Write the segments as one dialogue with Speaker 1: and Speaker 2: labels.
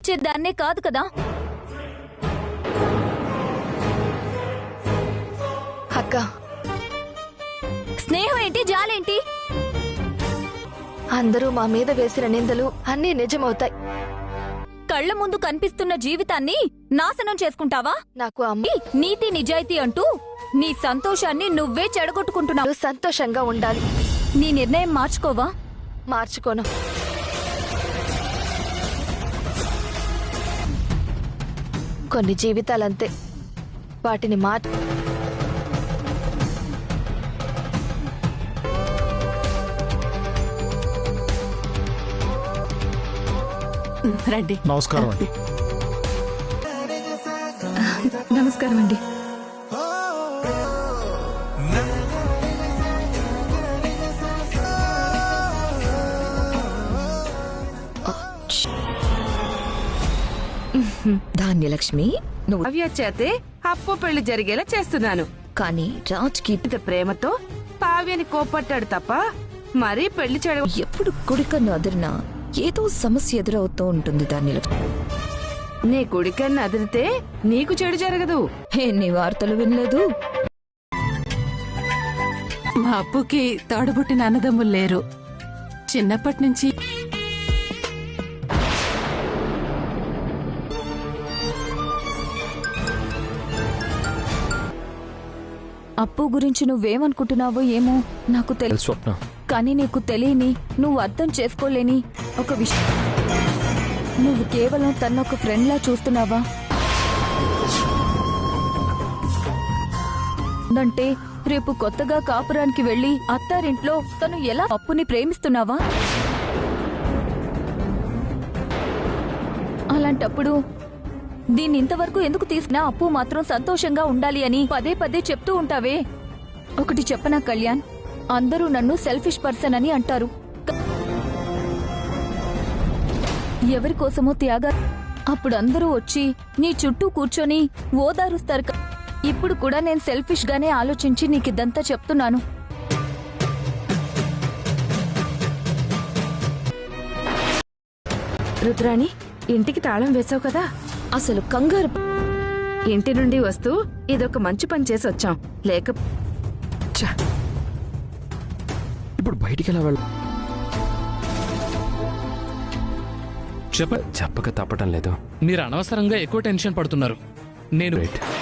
Speaker 1: ఇచ్చేదాన్నే కాదు కదా.
Speaker 2: అక్క,
Speaker 1: స్నేహం ఏంటి, జాలేంటి?
Speaker 2: అందరూ మా మీద వేసిన నిందలు అన్నీ నిజమవుతాయి.
Speaker 1: కళ్ల ముందు కనిపిస్తున్న జీవితాన్ని నాశనం చేసుకుంటావా?
Speaker 2: నాకు అమ్మ
Speaker 1: నీతి నిజాయితీ అంటూ నీ సంతోషాన్ని నువ్వే చెడగొట్టుకుంటున్నావు.
Speaker 2: సంతోషంగా ఉండాలి.
Speaker 1: నీ నిర్ణయం మార్చుకోవా?
Speaker 2: మార్చుకోను. కొన్ని జీవితాలంతే, వాటిని
Speaker 3: రండి.
Speaker 4: నమస్కారం అండి.
Speaker 3: నమస్కారం అండి.
Speaker 5: ధాన్యలక్ష్మి, నువ్వు
Speaker 3: చేతే అప్పు పెళ్లి జరిగేలా చేస్తున్నాను.
Speaker 5: కానీ రాజ్కి
Speaker 3: ఇంత ప్రేమతో పావ్యని కోపట్టాడు తప్ప మరీ పెళ్లి చేయడం.
Speaker 5: ఎప్పుడు కుడికన్ను అదిరినా ఏదో సమస్య ఎదురవుతూ ఉంటుంది ధాన్యలక్ష్మి.
Speaker 3: నీ కుడికన్ను అదిరితే నీకు చెడు జరగదు.
Speaker 5: ఎన్ని వార్తలు వినలేదు?
Speaker 6: మా అప్పుకి తోడబుట్టిన అన్నదమ్ములు లేరు. చిన్నప్పటి నుంచి
Speaker 1: అప్పు గురించి నువ్వేమనుకుంటున్నావో ఏమో నాకు తెలుసు
Speaker 4: స్వప్న,
Speaker 1: కానీ నీకు తెలియని, నువ్వు అర్థం చేసుకోలేని ఒక విషయం. నువ్వు కేవలం తన్నొక ఫ్రెండ్లా చూస్తున్నావా? అంటే రేపు కొత్తగా కాపురానికి వెళ్లి అత్తారింట్లో తను ఎలా అప్పుని ప్రేమిస్తున్నావా? అలాంటప్పుడు దీన్ని ఇంతవరకు ఎందుకు తీసుకున్నా? అప్పు మాత్రం సంతోషంగా ఉండాలి అని పదే పదే చెప్తూ ఉంటావే. ఒకటి చెప్పనా కళ్యాణ్, అందరూ నన్ను సెల్ఫిష్ పర్సన్ అని అంటారు. ఎవరికోసమో త్యాగా. అప్పుడు అందరూ వచ్చి నీ చుట్టూ కూర్చొని ఓదారుస్తారు. ఇప్పుడు కూడా నేను సెల్ఫిష్ గానే ఆలోచించి నీకిదంతా చెప్తున్నాను.
Speaker 3: రుద్రాణి, ఇంటికి తాళం వేసావు కదా?
Speaker 5: అసలు కంగారు.
Speaker 3: ఇంటి నుండి వస్తూ ఇదొక మంచి పని చేసి వచ్చాం. లేక
Speaker 7: ఇప్పుడు బయటికి ఎలా వెళ్ళ చెప్పక తప్పటం లేదు.
Speaker 8: మీరు అనవసరంగా ఎక్కువ టెన్షన్ పడుతున్నారు. నేను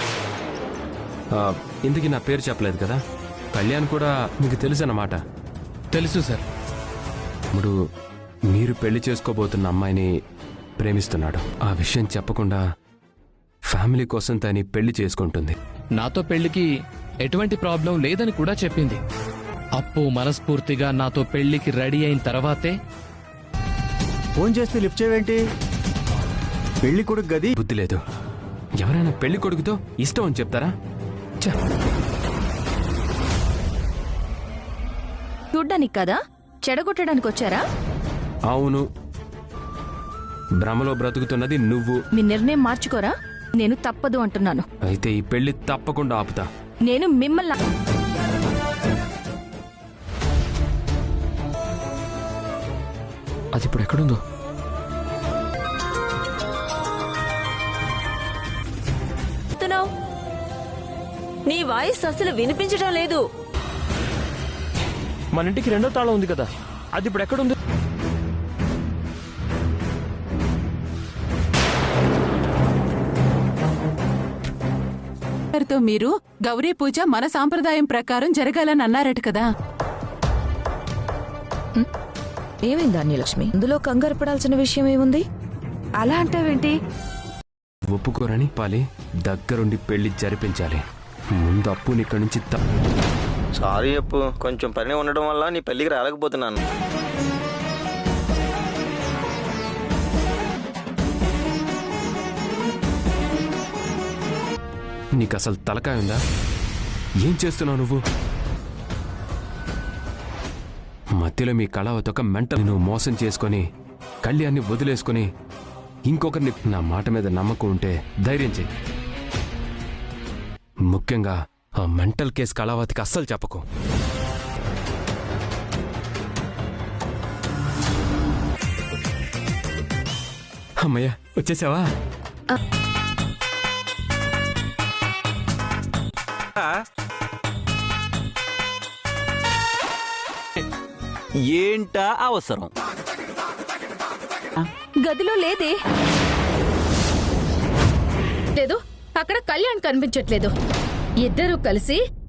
Speaker 7: ఇందుకు నా పేరు చెప్పలేదు కదా. కళ్యాణ్ కూడా మీకు తెలుసు అన్నమాట.
Speaker 8: తెలుసు సార్.
Speaker 7: ఇప్పుడు మీరు పెళ్లి చేసుకోబోతున్న అమ్మాయిని ప్రేమిస్తున్నాడు. ఆ విషయం చెప్పకుండా ఫ్యామిలీ కోసం తని పెళ్లి చేసుకుంటుంది.
Speaker 8: నాతో పెళ్లికి ఎటువంటి ప్రాబ్లం లేదని కూడా చెప్పింది. అప్పు మనస్ఫూర్తిగా నాతో పెళ్లికి రెడీ అయిన తర్వాతే.
Speaker 4: ఫోన్ చేస్తే లిఫ్ట్ చేయవేంటి? పెళ్లి కొడుకు గది
Speaker 7: బుద్ధి లేదు. ఎవరైనా పెళ్లి కొడుకుతో ఇష్టం అని చెప్తారా?
Speaker 1: చూడ్డానికి కదా, చెడగొట్టడానికి వచ్చారా?
Speaker 7: అవును, భ్రమలో బ్రతుకుతున్నది నువ్వు.
Speaker 1: మీ నిర్ణయం మార్చుకోరా? నేను తప్పదు అంటున్నాను.
Speaker 7: అయితే ఈ పెళ్లి తప్పకుండా ఆపుతా.
Speaker 1: నేను మిమ్మల్ని
Speaker 7: అది ఇప్పుడు ఎక్కడుందో?
Speaker 5: నీ వాయిస్ అసలు వినిపించడం లేదు.
Speaker 7: మన ఇంటికి రెండో తాళం ఉంది కదా, అది ఇప్పుడు ఎక్కడుంది?
Speaker 6: తో మీరు గౌరీ పూజ మన సాంప్రదాయం ప్రకారం జరగాలని అన్నారట కదా.
Speaker 5: ఏమైంది ధాన్యలక్ష్మి? ఇందులో కంగారు పడాల్సిన విషయం ఏముంది?
Speaker 3: అలా అంటావేంటి?
Speaker 7: ఒప్పుకోరని పాలి దగ్గరుండి పెళ్లి జరిపించాలి. ముందు అప్పుని ఇక్కడి నుంచి
Speaker 9: సారీ అప్పు, కొంచెం పని ఉండడం వల్ల నీ పెళ్లికి రాలేకపోతున్నాను.
Speaker 7: నీకు అసలు తలకాయ ఉందా? ఏం చేస్తున్నావు నువ్వు? మధ్యలో మీ కళావతొక మెంటల్ నువ్వు మోసం చేసుకొని కళ్యాణ్ని వదిలేసుకొని ఇంకొకరిని. నా మాట మీద నమ్మకం ఉంటే ధైర్యం చెయ్యి. ముఖ్యంగా ఆ మెంటల్ కేసు కళావతికి అస్సలు చెప్పకు. అమ్మయ్య వచ్చేసావా?
Speaker 10: ఏంటా అవసరం?
Speaker 1: గదిలో లేదే.
Speaker 11: లేదు, అక్కడ కళ్యాణ్ కనిపించట్లేదు. ఇద్దరూ కలిసి